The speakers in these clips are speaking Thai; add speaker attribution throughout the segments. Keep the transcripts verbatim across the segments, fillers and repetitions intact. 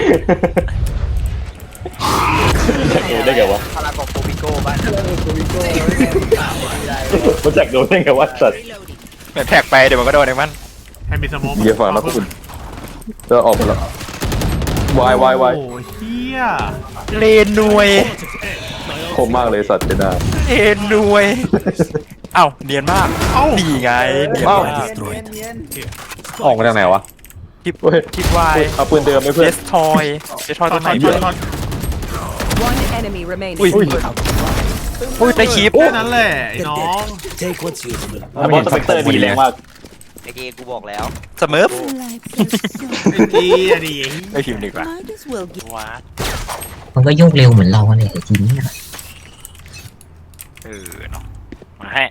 Speaker 1: จากโดนได้ไงวะ
Speaker 2: พลังของโคบิโก้บ้านโคบิโก้
Speaker 1: มันจากโดนได้ไงวะสัตว์
Speaker 3: เหมือนแท็กไปเดี๋ยวมันก็โดนเองมัน
Speaker 4: ให้มีสมอง
Speaker 1: เยี่ยฟังนะพวกคุณจะออกมาแล้ววายวายวาย
Speaker 4: โอ้เฮีย
Speaker 3: เลนนวย
Speaker 1: คมมากเลยสัตว์เจน่า
Speaker 3: เลนนวยเอ้าเนียนมากดีไงเนียนมาก
Speaker 1: ออกมาจากไหนวะ
Speaker 3: คิดคิดวาย
Speaker 1: เอาปืนเดิมไม่เพื่อน
Speaker 3: เดสทอยเดสทอยตัวไหนอุ้ยอุ้ยได้คลิป
Speaker 4: แค่นั้นแหละไอ้น้อง
Speaker 1: บอสสเปกเตอร์ดีแรงมาก
Speaker 2: ไอ้เกกูบอกแล้ว
Speaker 3: เสมอ
Speaker 4: ดีอะดี
Speaker 3: ไม่พิมพ์ดีกว่าว้า
Speaker 5: มันก็โยกเร็วเหมือนเราเลยทีนี้
Speaker 3: เออเนาะมาให้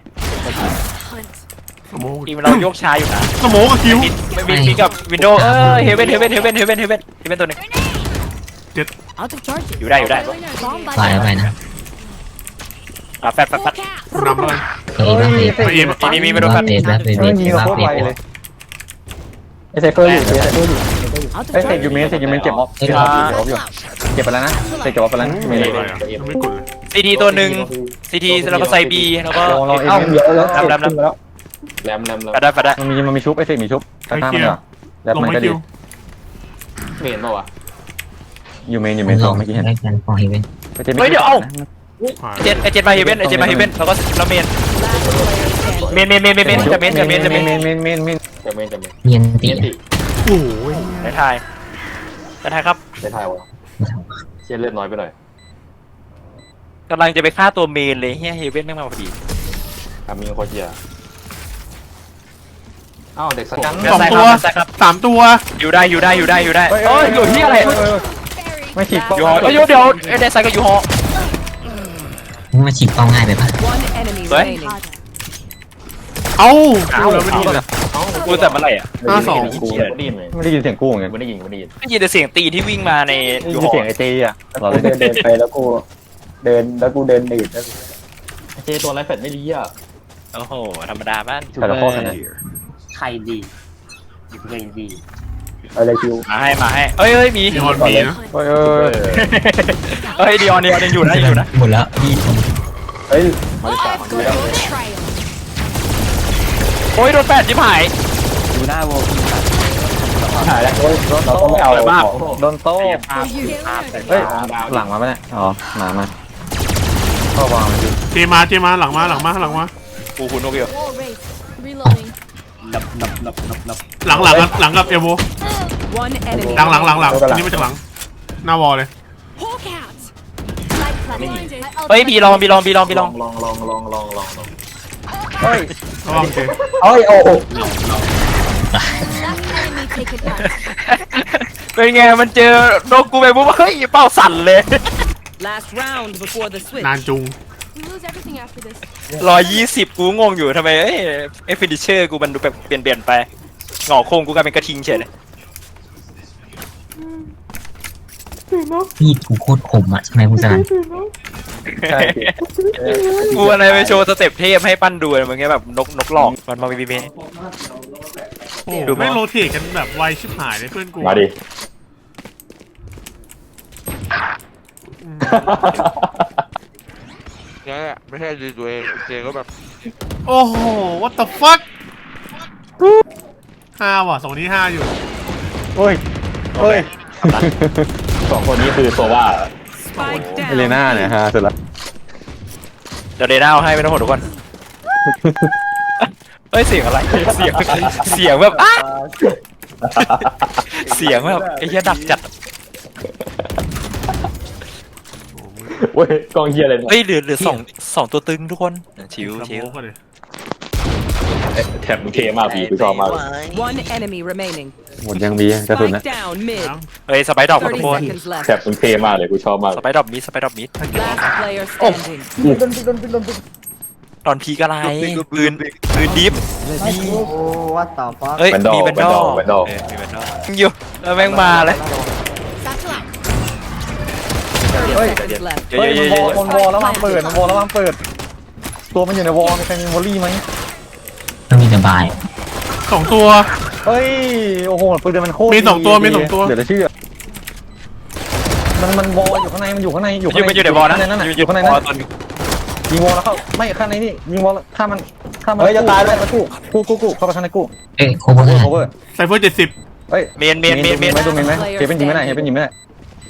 Speaker 3: ทีม
Speaker 4: สมอง
Speaker 3: เราโยกช้าอยู่นะ
Speaker 4: สมองกับคิว
Speaker 3: ไม่มีมีกับวินโดว์เออเฮเว่นเฮเว่นเฮเว่นเฮเว่นเฮเว่นเฮเว่นตัวนึง
Speaker 4: เจ็ด
Speaker 3: อยู่ได้อยู่ได้
Speaker 5: ไปแล้วไปนะ
Speaker 3: อ่ะแฟดแฟดแฟด
Speaker 4: นำเลย
Speaker 5: เฮ้ย
Speaker 4: เอ็ม
Speaker 3: มีมีมาดูแฟด
Speaker 5: เบสแบบเบสแบบเบสเลย
Speaker 6: ไอเซฟเฟอร์อยู่ไอเซฟเฟอร์อยู่ไอเซฟยูเมนเซฟยูเมนเก็บออฟเก็บออฟอยู่เก็บไปแล้วนะเซฟเก็บออฟไปแล้วไม่เลย
Speaker 4: ไม่กดเลย
Speaker 3: ซีทีตัวหนึ่งซีทีแล้วก็ไซบีแล้วก็
Speaker 6: ลองเอ็มเยอะแล้วแรมแล้ว
Speaker 1: แรมแรมแรม
Speaker 3: แฟดได้แฟดได้
Speaker 6: มันมีมันมีชุบไอเซฟมีชุบตาตามันเหรอแล้วมันก็ดี
Speaker 1: เมนป่าวะ
Speaker 6: ยูเมนยูเมนสองเมื่อกี้เห็น
Speaker 5: ได้กันพอเฮเว่น
Speaker 3: เฮ้ยเดี๋ยวเอ้าเจนไอเจนมาเฮเว่นไอเจนมาเฮเว่นแล้วก็แล้วเมนเมนเมนเมนเมนเมนจะเมนจะเมนจะเมน
Speaker 6: เมนเมนเมนเมน
Speaker 1: จะเมนจะเมน
Speaker 5: เนียนตี
Speaker 4: โอ้ย
Speaker 3: ได้ทายได้ทายครับ
Speaker 1: ได้ทายวะเชี่ยเลือดน้อยไปหน่อย
Speaker 3: กำลังจะไปฆ่าตัวเมนเลยเฮียเฮเว่นไม่มาพอดี
Speaker 1: ทำมีโคเชียอ้าวเด็กสกัง
Speaker 4: สองตัวสามตัว
Speaker 3: อยู่ได้อยู่ได้อยู่ได้อยู่ได้เอ้ยอยู่ที่อะไร
Speaker 6: ไม่ฉีก
Speaker 3: อยู่หอเอ้ยเดี๋ยวเดซไซก็อยู่หอ
Speaker 5: มาฉีกเป้าง่ายไปปะ
Speaker 3: เฮ้ย
Speaker 4: เอ้า
Speaker 3: เอาแล้วไม่ได้ยินอ่ะกูแต่เมื่อไหร่อ่ะ
Speaker 4: ห้าสอง
Speaker 1: กูได้ยินเลย
Speaker 6: ไม่ได้ยินเสียงกู้ไง
Speaker 1: ไม่ได้ยินไม่ได้ยิน
Speaker 3: ได้ยินแต่เสียงตีที่วิ่งมาใน
Speaker 6: อยู่เสียงไอเจีอ่ะเราเดินเดินไปแล้วกูเดินแล้วกูเดินหนีแล้ว
Speaker 1: เจตัวไรแฟดไม่ดีอ่ะ
Speaker 3: โอ้โหธรรมดาบ้าน
Speaker 6: แต่ละข้อขนาด
Speaker 2: ใครดีเก่งดี
Speaker 6: อะไรคิว
Speaker 3: มาให้มาให้เอ้ยเอ้ยมี
Speaker 4: ดีออนมีนะ
Speaker 6: เฮ้ยเออ
Speaker 3: เฮ้ยดีออนดีออนยังอยู่นะอยู่นะ
Speaker 5: หมดแล้วดี
Speaker 6: เฮ้ย
Speaker 1: มาดิสามดูแล้ว
Speaker 3: โอ้ยโดนแปดจิ๋มหาย
Speaker 6: ดูหน้าโวหายแล้วโอ้ยเราต้องไม่เอาโดนโต้เฮ้ยหลังมาไหมเนี่ยอ๋อมามาก็วางมันดิ
Speaker 4: เจมาเจมาหลังมาหลังมาหลังมา
Speaker 3: กูคุณนกเกียว
Speaker 1: นับนับนับนับนับ
Speaker 4: หลังหลังหลังกับเอโวหลังหลังหลังหลังอันนี้มาจากหลังหน้าวอลเลย
Speaker 3: เฮ้ยบีลองบีลองบีลองบีลอง
Speaker 1: ลองลองลองลองลองลอง
Speaker 6: เฮ้ย
Speaker 4: โอเค
Speaker 6: เฮ้ยโอ้โห
Speaker 3: เป็นไงมันเจอนกกูไปปุ๊บเฮ้ยเป้าสั่นเลย
Speaker 4: นานจุง
Speaker 3: ร้อยยี่สิบกูงงอยู่ทำไมเอ้ยเอฟฟินิเชอร์กูมันดูแบบเปลี่ยนเปลี่ยนไปหงอโค้งกูกลายเป็นกระทิงเฉยเลย
Speaker 5: พี่กูโคตรขมอ่ะใช่ไหมคุณสนั่น
Speaker 3: กูอะไรไปโชว์สเต็ปเทพให้ปั้นดูอะไรเงี้ยแบบนกนกหลอกมันมาบีบี
Speaker 4: ดูไม่โรเทตกันแบบไวชิบหายเลยเพื่อนกู
Speaker 1: มาดิ
Speaker 7: เนี่ยไม่ใช่ดีตัวเองเจก็แบบ
Speaker 4: โอ้โห what the fuck ห้าว่ะสองนี้ห้าอยู่
Speaker 6: เฮ้ยเฮ้ย
Speaker 1: สองคนนี้คือโซว่า
Speaker 6: เอเลน่าเนี่ยฮะสุดละ
Speaker 3: เดี๋ยวเดน่าให้ไม่ต้องห่วงทุกคนเฮ้ยเสียงอะไรเสียงเสียงแบบอ้าเสียงแบบไอ้เหี้ยดักจัด
Speaker 1: เว้ยกองเฮียอะไร
Speaker 3: เฮ้ยเหลือเหลือสองสองตัวตึงทุกคนชิวชิว
Speaker 1: แถบมึงเทมากพี่กูชอบมาก
Speaker 6: หมดยังมีกระสุนนะ
Speaker 3: เฮ้ยสไปดอกทุกคน
Speaker 1: แถบมึงเทมากเลยกูชอบมาก
Speaker 3: สไปดอกมิดสไปดอกมิดโอ้ตอนพีกอะไรปืนปืนดิฟ
Speaker 6: ว่าต่อฟ้า
Speaker 3: เฮ้ยมีแบนดอลแบนดอลอยู่แล้วแม่งมาเลย
Speaker 6: เฮ้ยเฮ้ยมันวอลแล้ววางเปิดมันวอลแล้ววางเปิดตัวมันอยู่ในวอลมีใครมีวอลลี่ไหม
Speaker 5: ต้องมีสบาย
Speaker 4: สองตัว
Speaker 6: เฮ้ยโอ้โหปืนมันโคตร
Speaker 4: มีสองตัวมีสองตัว
Speaker 6: เดี๋ยวจะเชื่อมันมันวอลอยู่ข้างในมันอยู่ข้างในอยู่
Speaker 3: อ
Speaker 6: ข้าง
Speaker 3: ยู่
Speaker 6: ใน
Speaker 3: มันอยู่ในบอลนะ
Speaker 6: ข้างในนั่นน่ะ
Speaker 3: อ
Speaker 6: อยู่ ยู่ข้างใน
Speaker 3: บ
Speaker 6: นั่
Speaker 3: อล
Speaker 6: น
Speaker 3: ตัวนึง
Speaker 6: ยิงวอลแล้วเข้าไม่ข้างในนี่ยิงวอลข้ามมันข้ามมันเฮ้ยจะตายแล้วกู้กู้กู้กู้เข้าไปข้างในกู้
Speaker 5: เอ้ยโคเวอร์
Speaker 6: โอเวอร์
Speaker 4: ไซเฟอร์เจ็ดสิบ
Speaker 6: เฮ้ย
Speaker 3: เมนเมนเมนเมน
Speaker 6: ไม่ดูเมนไหมเฮเป็นยิงไม่ได้เฮเป็นยิงไม่ได้
Speaker 1: เอา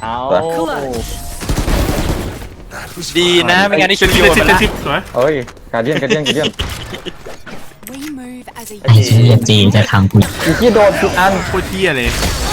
Speaker 3: ดีนะไม่งั้นนี่
Speaker 4: เจ็
Speaker 3: ชุ
Speaker 4: ด
Speaker 3: ด
Speaker 4: สิบ
Speaker 3: โย
Speaker 4: เจ็ด
Speaker 3: น
Speaker 4: สิบ
Speaker 3: ไป
Speaker 4: เจ็ด
Speaker 3: ละ
Speaker 4: สิบสวย
Speaker 6: เฮ้ยการเดียนการเดียนการเดียน
Speaker 5: ไอ้เชี่ยเจจะทำกู
Speaker 6: อีกที่โดนทุกอัน
Speaker 4: โคตรเที่ยเลย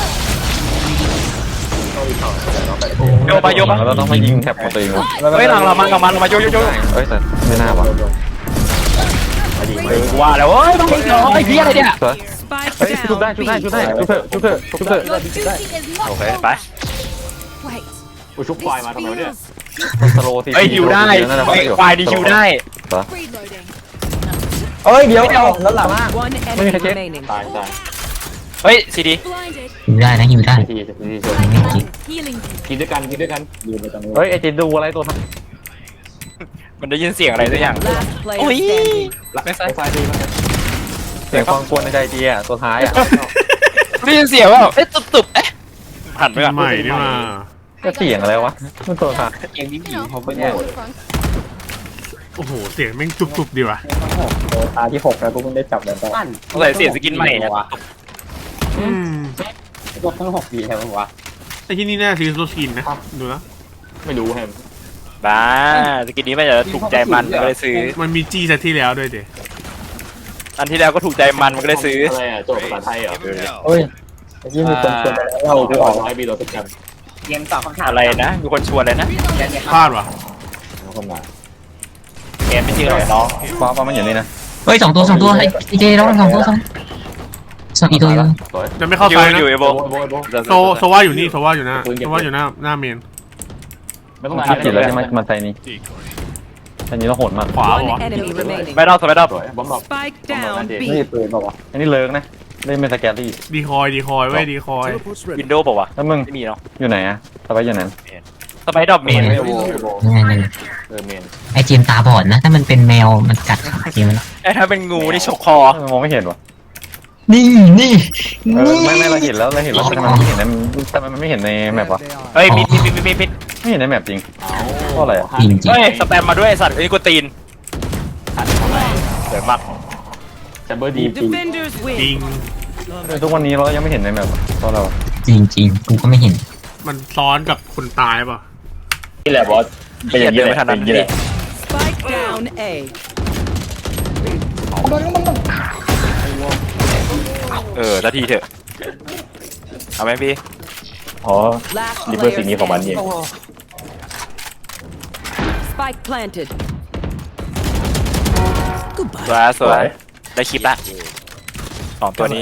Speaker 3: โยบะโยบะ
Speaker 6: เราต้องมายิงแท็บของตัวเองวะ
Speaker 3: เฮ้ยหลังเรามันหลังมันเรามาโยโยโย
Speaker 6: เฮ้ยแต่ไม่น่าวะ
Speaker 3: เออว่าแล้วเฮ้ยต้องยิงเหรอไอ้เหี้ยอะไรเนี่ย
Speaker 6: สวยเฮ้ยชุบได้ชุบได้ชุบได้ชุบเถอะชุบเถอะชุบเถอะ
Speaker 3: โอเคไป
Speaker 1: กูชุบควายมาทำไมวะเนี่ย
Speaker 6: สโลที
Speaker 3: เอ้ยฮิวได้ไอ้ควายดีฮิวได้
Speaker 6: เอ้ยเดี๋ยวเอาแล้วหลัง
Speaker 8: One
Speaker 6: Let me
Speaker 8: enemy
Speaker 6: check it.
Speaker 8: remaining.
Speaker 1: ตายตาย
Speaker 3: เฮ้ยซีดี
Speaker 5: อยู่ได้นะอยู่ได้
Speaker 1: ทีทีทีชน
Speaker 5: ไม่ไม่กิน
Speaker 1: กินด้วยกันกินด้วยกันยืนไปตรงนู้น
Speaker 6: เฮ้ยไอจิดูอะไรตัวท
Speaker 3: มันได้ยินเสียงอะไรสักอย่าง
Speaker 8: Last player
Speaker 3: Ui.
Speaker 8: standing.
Speaker 1: ไม่ใช่ไฟดีมั้ย
Speaker 6: ำเสียงความกวนในใจจีอ่ะตัวท้ายอ่ะ
Speaker 3: ได้ยินเสียงว่าเอ๊ะตุบตุบเอ๊ะหันไปก่อน
Speaker 4: ใหม่นี่มา
Speaker 6: ก็เสียงอะไรวะมันตัวท้าย
Speaker 1: เองนี่ผีเขาไม่เนี่ย
Speaker 4: โอ้โหเสียงแม่งจุบๆดีว่ะ
Speaker 6: ตาที่หกแล้วกูเพิ่งได้จับแล้วก็
Speaker 3: ต้องใส่เสียงสกินใหม่เนี่ย
Speaker 4: อืม
Speaker 1: ตัวทั้งหกปีใช่ไหมวะ
Speaker 4: ไอ้ที่นี่น่าซื้อโซสกินนะดูนะ
Speaker 1: ไม่รู้แฮม
Speaker 3: บ้าสกินนี้ไม่จะถูกใจมันก็เลยซื้อ
Speaker 4: มันมีจีซะที่แล้วด้วยเด็
Speaker 3: อันที่แล้วก็ถูกใจมันมันก็เลยซื้อ
Speaker 1: อะไรอ่ะโจทย์ภาษาไทยเหรอ
Speaker 6: เฮ้ยที่มีคนชวนไปแล้วเราคือออก
Speaker 1: ร้อยปีเราสักกัน
Speaker 2: เกมตอบคำถาม
Speaker 3: อะไรนะมีคนชวนเลยนะ
Speaker 4: พลาดว่ะ
Speaker 1: คนมา
Speaker 3: เกมไม่ชื่ออะไรน้อง
Speaker 6: ฟ้าฟ้ามันอยู่นี่นะ
Speaker 5: เฮ้ยสองตัวสองตัวไอ้ไอ้เจแล้วสองตัวสองสองอีกตัวอยู่
Speaker 1: สวย
Speaker 4: จะไม่เข้า
Speaker 3: อยู่
Speaker 4: ซ้ายนะ
Speaker 3: อยู่ไอโบ
Speaker 1: โบโบ
Speaker 4: โซโซว่าอยู่นี่โซว่าอยู่หน้าโซว่าอยู่หน้าหน้าเมน
Speaker 1: ไม่ต้อง
Speaker 6: คิดผิดแล้วใช่ไหมมันใส่นี้อันนี้เราโหดมาก
Speaker 4: ขวา
Speaker 8: One
Speaker 4: เหรอ
Speaker 8: enemy remaining.
Speaker 3: ไม่รอบไม่รอบ
Speaker 1: สวยบอมบ์
Speaker 8: Spike down
Speaker 6: นี่
Speaker 8: B.
Speaker 6: ปืนป่าวะอันนี้เลิกนะเล่นเป็นสแกลลี่
Speaker 4: ดีคอยดีคอยไว้ดีคอย
Speaker 3: วินโดว์บอกว่าวะ
Speaker 6: แล้วมึง
Speaker 3: ไม่มีเนาะ
Speaker 6: อยู่ไหนอะสบายอยู่ไหน
Speaker 3: สไปดอบเมน
Speaker 1: โบโบ
Speaker 5: นั่นไง
Speaker 1: เออเมน
Speaker 5: ไอ้เจมตาบอดนะ ถ้ามันเป็นแมวมันกัดขาเจมมัน
Speaker 3: ไอ้ถ้าเป็นงูนี่ฉกคอ
Speaker 6: มองไม่เห็นวะ
Speaker 5: นี่นี่
Speaker 6: เออไม่ไม่เราเห็นแล้วเราเห็นแล้วแต่มันไม่เห็นในแต่มันไม่เห็นในแมปวะ
Speaker 3: เฮ้ยมิดมิดมิดมิดมิด
Speaker 6: ไม่เห็นในแมปจริงเพราะอะไรอะ
Speaker 5: จริงจริง
Speaker 3: เฮ้ยสแปมมาด้วยไอ้สัตว์ไอ้กูตีนเดือดมาก
Speaker 1: แชมเบอร์ดีปี
Speaker 8: Defenders
Speaker 4: จริ
Speaker 8: win.
Speaker 6: ทุกวันนี้เรายังไม่เห็นในแมปเพราะเรา
Speaker 5: จริงจริงกูก็ไม่เห็น
Speaker 4: มันซ้อนกับคนตายป่ะ
Speaker 1: นี่แหละบอส
Speaker 3: เป็นอย่างนี้ไม่ทันนั้นพี่
Speaker 8: Spike down A.
Speaker 3: เออนาทีเถอะเอาไหมพี่
Speaker 1: อ๋อ
Speaker 8: Last
Speaker 1: นี่เพื่อ
Speaker 8: player
Speaker 1: สิ่งนี้ของมันเอง
Speaker 8: standing. Spike planted.
Speaker 3: สวยสวยได้คลิปละสองตัวนี้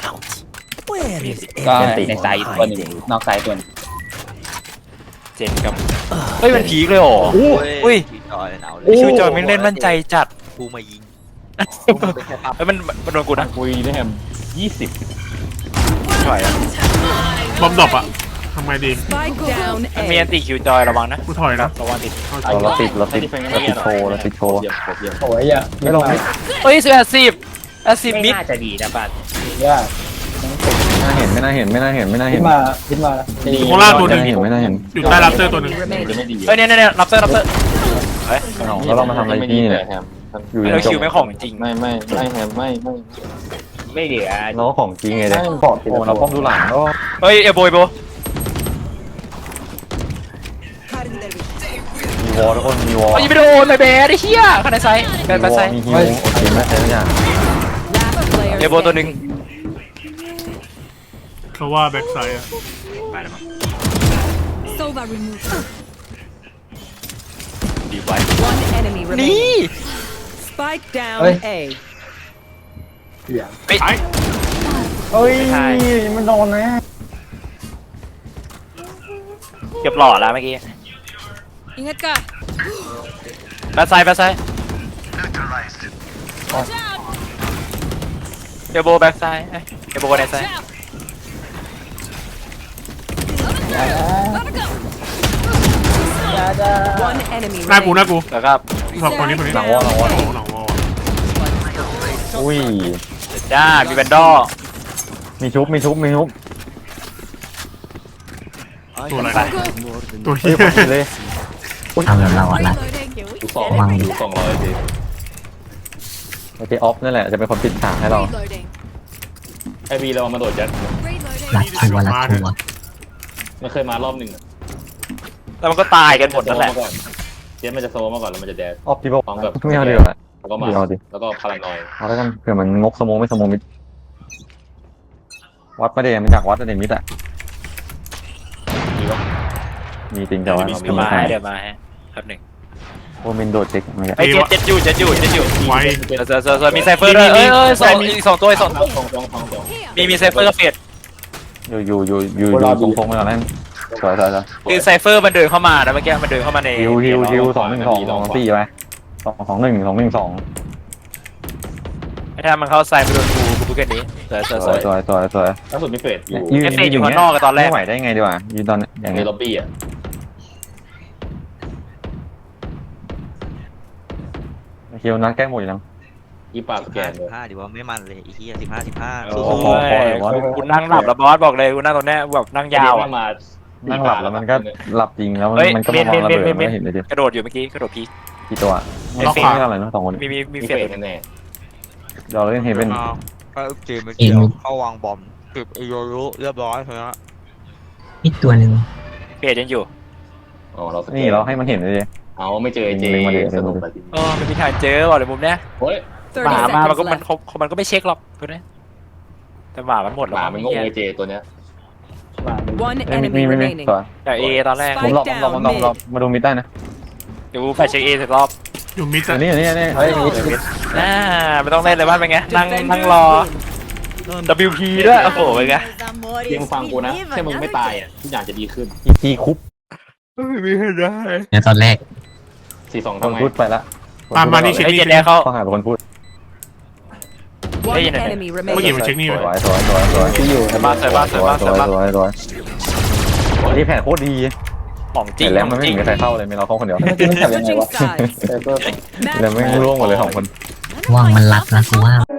Speaker 1: ก็ในไซต์ตัวหนึ่งนอกไซต์ตัวนึง
Speaker 3: เจนกับเฮ้ยมันพีคเลยเหรออุ้ย
Speaker 2: จอยหนาวเล
Speaker 3: ไอ้
Speaker 2: ย
Speaker 3: คิวจอยไม่เล่นมั่นใจจัด
Speaker 2: กูมายิง
Speaker 3: เฮ้ยมันมันโดนกูนะ
Speaker 1: คุยได้แฮมยี่สิบ
Speaker 3: ไม่ไหวอะ
Speaker 4: บอมดรอปอะทำไงดี
Speaker 8: Spike down
Speaker 3: มันมี
Speaker 8: A.
Speaker 3: อันติคิวจอยระวังนะ
Speaker 4: กูถอยนะ
Speaker 3: ระวังติด
Speaker 6: เราติดเราติดเราติดโชว์เราติดโชว์
Speaker 1: เยี่ยมเยี่ยม
Speaker 6: โอ้ยอ่ะไม่ลงไม่
Speaker 3: เฮ้ยสิบแปดสิบแปดสิบมิด
Speaker 2: น่าจะดีนะบ้าน
Speaker 6: น่าเห็นไม่น่าเห็นไม่น่าเห็นไม่น่าเห็น
Speaker 4: โคราชตัวหนึ่ง
Speaker 6: ไม่น่าเห็นไม่น่าเห็น
Speaker 4: อยู่ใต้รับเตอร์ตัวหนึ่ง
Speaker 8: Remaining.
Speaker 1: ไม่ดี
Speaker 3: เฮ้ยเนี่ยเนี่ยรับเตอร์รับเตอร์เฮ้ย
Speaker 6: แล้วเรามาทำอะไรที่นี่เนี่ย
Speaker 1: แฮม
Speaker 6: อยู่
Speaker 3: เราคิวไม่ของจริง
Speaker 1: ไม่ไม่ไม่แฮมไม่ไม่
Speaker 2: ไม่เหลือ
Speaker 6: เราของจริงไงเนี่ยโอ้เราป้อมดูหลังก็
Speaker 3: เฮ้ยเอโบเอโบ
Speaker 6: มีวอลทุกคนมีวอล
Speaker 3: เฮ้ยไม่โดนเลยเบสไอ้เหี้ยข้างในไซส์เดินไปไซส์
Speaker 6: มีฮิวโอเคไม่ใช่ทุกอย่าง
Speaker 8: Last player
Speaker 3: เอโบตัวหนึ่ง
Speaker 4: เพราะว่าแบ็กไซด์อะ
Speaker 8: Sova removed.
Speaker 3: ดีไว้
Speaker 8: One enemy
Speaker 3: นี่
Speaker 8: remaining. Spike down A.
Speaker 3: เฮ้ย
Speaker 6: เฮ้ยมันโดนนะ
Speaker 3: เก็บหล่อแล้วเมื่อกี้
Speaker 8: Ingat ka.
Speaker 3: แบทไซด์แบทไซด์เอโบแบ็กไซด์เอโบในไซด์
Speaker 8: One enemy
Speaker 4: หน้ากูห
Speaker 8: remaining.
Speaker 4: น้ากู
Speaker 3: แล้วก็
Speaker 4: สองคนนี้คนนี้
Speaker 6: หลังวอลหลังวอล
Speaker 4: หลังวอล
Speaker 6: อุ้ย
Speaker 3: จ้ามีแบนดอ
Speaker 6: มีชุบมีชุบมีชุบ
Speaker 4: ตัวอะไรตัวเฮี
Speaker 6: เฮ้ย
Speaker 4: ย
Speaker 6: พอดีเลย
Speaker 5: ทำแบบเราอ่ะนะ
Speaker 1: ดูสองดูสองร้อยดิ
Speaker 6: โอเคออฟนั่นแหละจะเป็นคนปิดฉากให้เรา
Speaker 1: ไอบีเรามาโดดยัด
Speaker 5: ลัดทัวร์ลัดทัวร์
Speaker 1: มันเคยมารอบหนึ่งอะ
Speaker 3: แล้วมันก็ตายกันหมดนั่นแหละ
Speaker 1: เจ็ดมันจะโซมาก่อนแล้วมันจะแดด
Speaker 6: ออฟที่บอก
Speaker 1: พร้อมกับ
Speaker 6: ไม่เอาดีกว่า
Speaker 1: แล้วก็มา
Speaker 6: เดี๋ยวเอาดิ
Speaker 1: แล้วก็พารานอย
Speaker 6: เอาแล้วกันเผื่อมันงกสมองไม่สมองมิดวัดประเดี๋ยวมันจากวัดประเดี๋ยวมิดอ่ะ
Speaker 1: มีวะ
Speaker 6: มีจริงแต่ว่า
Speaker 3: เดี๋
Speaker 6: มี
Speaker 3: ยวมา
Speaker 6: ใคร
Speaker 3: ให้เดี๋ยวมาให้ครับหนึ่ง
Speaker 6: โอมินโดดเช็คไม่ใช่
Speaker 3: ไอ้เจ็ดเจ็ดอยู่เจ็ดอยู่เจ็ดอยู่
Speaker 4: ไว้
Speaker 3: เดี๋ยวเดี๋ยวเดี๋ยวเดี๋ยวมีไซเฟอร์ด้วยเอ้ยเอ้ยสองอีกสองตัวอีกสอง
Speaker 1: ส
Speaker 3: ตัว
Speaker 1: องสองสองสอง
Speaker 3: มีมีไซเฟอร์กับเฟด
Speaker 6: อยู่อยู่อยู่อยู่อยู่ตรงโค้งไปก่อนนั่นสวยสวยสวย
Speaker 3: คือไซเฟอร์มันเดินเข้ามานะเมื่อกี้มันเดินเข้ามาใน
Speaker 6: ฮิวฮิวฮิวสองหนึ่งสองสองสี่ไปสองสองหนึ่งสองหนึ่งสอง
Speaker 3: ถ้ามันเข้าไซไปโดนกูกูพูดแค่นี้สวยสวย
Speaker 6: ส
Speaker 3: ส
Speaker 6: ว
Speaker 3: วย ย
Speaker 6: สวยสวยสวย
Speaker 1: ล่าสุดมีเฟดอยู่
Speaker 6: ยืน
Speaker 3: เอฟเฟกต์อยู่ข้างนอกกับตอนแรก
Speaker 6: ไม่ไหวได้ไงดีกว่ายืนตอนอย่าง
Speaker 1: ใน
Speaker 6: นี้
Speaker 1: ล็อบบี้อ่ะ
Speaker 6: ฮิวนัดแก้หมดอยู่แล้ว
Speaker 1: อีปากสแกนเลย
Speaker 9: ห้าดีว่าไม่มันเลยอีกที่สิบห้าสิบห้า
Speaker 3: โอ้ยกูนั่งหลับแล้วบอสบอกเลยกูนั่งตรงนี้แบบนั่งยาวอ่ะ
Speaker 1: มา
Speaker 6: นั่งหลับแล้วมันก็หลับจริงแล้ว
Speaker 3: เฮ้ย
Speaker 6: มันก็มาวางระเบิด
Speaker 3: เมนเมนเมน
Speaker 6: ไม่เห็นเลยดิ
Speaker 3: กระโดดอยู่เมื่อกี้กระโดดพี
Speaker 6: กี่ตัว
Speaker 3: ไม่
Speaker 6: ไม่
Speaker 3: เฟ
Speaker 6: เฟ
Speaker 3: ด
Speaker 6: ดอะไรนะสองคน
Speaker 3: มีมีมี
Speaker 1: มี
Speaker 3: เฟ
Speaker 1: เฟ
Speaker 3: ด
Speaker 1: ดแน่
Speaker 6: เราเล่นเฮเว่น
Speaker 7: ก็เกมเมื่อกี้เข้าวางบอมตึกไอโยรุเรียบร้อยเถอะ
Speaker 5: อีกตัวหนึ่ง
Speaker 3: เฟดยังอยู่
Speaker 1: ๆอ๋อเราสแก
Speaker 6: นี่เราให้มันเห็นเลยดิ
Speaker 1: เอาไม่เจอเจ
Speaker 6: ลิงก์มาดิ
Speaker 1: สนุกไปที
Speaker 3: เออไม่มีทางเจอบอกเลยมุมเนี้ย
Speaker 1: เฮ้ย
Speaker 3: หมา
Speaker 8: thirty
Speaker 3: มามันก็
Speaker 8: seconds
Speaker 3: มัน
Speaker 8: left.
Speaker 3: เขามันก็ไม่เช็คหรอกตัวเนี้ยแต่หมามันหมด
Speaker 1: ห
Speaker 3: แล้ว
Speaker 1: มามันงงเลยเจตัวเนี้ย
Speaker 8: One
Speaker 6: เอ้ยมี
Speaker 8: enemy
Speaker 6: มีมี
Speaker 8: remaining.
Speaker 6: ตัว
Speaker 3: แต่เอตอนแรก
Speaker 6: ผมหลอกผมหลอกผมหลอกผมหลอกมาดูมิดได้นะ
Speaker 3: เดี๋ยวกูแฟชเช็คเอสักรอบ
Speaker 4: อยู่มิด
Speaker 6: อั
Speaker 4: อะ
Speaker 6: นนี้อันนี้อันนี้เฮ้ยมิดมิด
Speaker 3: น่าไม่ต้องเล่นเลยบ้านเป็นไงนั่งนั่งรอ
Speaker 8: Defenders win.
Speaker 3: ดับเบิลพี ด้วยโอ้โหเป็นไง
Speaker 1: เพียงฟังกูนะแค่มึงไม่ตายอ่ะทุกอย่างจะดีขึ้น
Speaker 6: อีจีคุป
Speaker 3: ไม่มีให้ได้
Speaker 5: เนี่ยตอนแรก
Speaker 1: สี่สอง
Speaker 6: ค
Speaker 1: ทำ
Speaker 6: น
Speaker 1: ไม
Speaker 6: พูดไปละ
Speaker 4: มามานี่เช็ค
Speaker 3: ไอ้
Speaker 4: นี่
Speaker 3: เจ็ดแดงเขา
Speaker 6: ต้องหาเป็นคนพูด
Speaker 8: One
Speaker 3: Hey,
Speaker 8: enemy
Speaker 4: เมื่อกี้
Speaker 8: remaining.
Speaker 4: มันเช็คนี่
Speaker 6: ส
Speaker 4: ไป
Speaker 6: วยสวยสวยสวยที่อยู่
Speaker 3: สวยมากสวยมากสวยมากสวยมาก
Speaker 6: สวยสวยอันนี้แผนโคตรดี
Speaker 3: ของจริง
Speaker 6: เห็นแล้ว
Speaker 3: ข
Speaker 6: มั
Speaker 3: อน ง
Speaker 6: ไม่
Speaker 3: จริง
Speaker 6: มีใครเข้าเลยมีเราเข้าคนเดียว
Speaker 8: Switching sides.
Speaker 6: แล้วไม่ร่วงหมดเลยสองคน
Speaker 5: ว่างมันรัดนะกูว่า